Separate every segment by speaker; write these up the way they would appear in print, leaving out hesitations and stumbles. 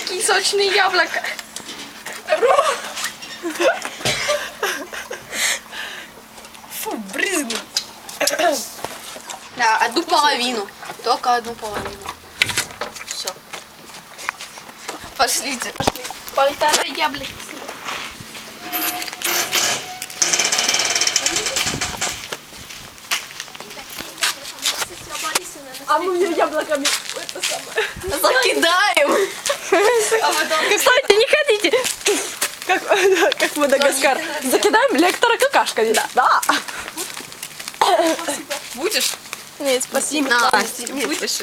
Speaker 1: такие сочные яблоки.
Speaker 2: Фу, брызну.
Speaker 1: Да, одну половину. Только одну половину. Все. Пошлите. Полтора яблоки.
Speaker 2: А мы ее яблоками это самое.
Speaker 1: Закидаем.
Speaker 2: Кстати, не хотите? Как Мадагаскар. Закидаем лектора какашками. Да.
Speaker 1: Будешь?
Speaker 2: Нет, спасибо.
Speaker 1: Будешь?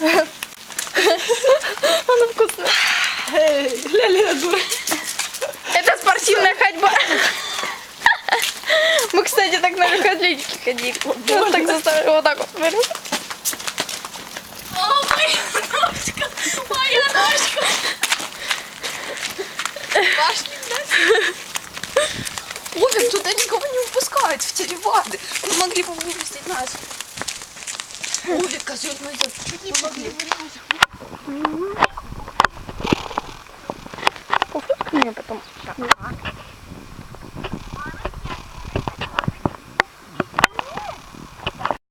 Speaker 2: Она вкусная. Ля-ля, дура.
Speaker 1: Это спортивная ходьба. Мы, кстати, так на легкоатлетике ходили. Вот так заставили, вот так вот. О, моя ножка! Моя ножка! Пошли, да? Овен, туда никого не выпускают, в телевады. Мы могли бы выпустить нас. Овен, козёл, мы чуть не могли.
Speaker 2: Пофоткай меня потом.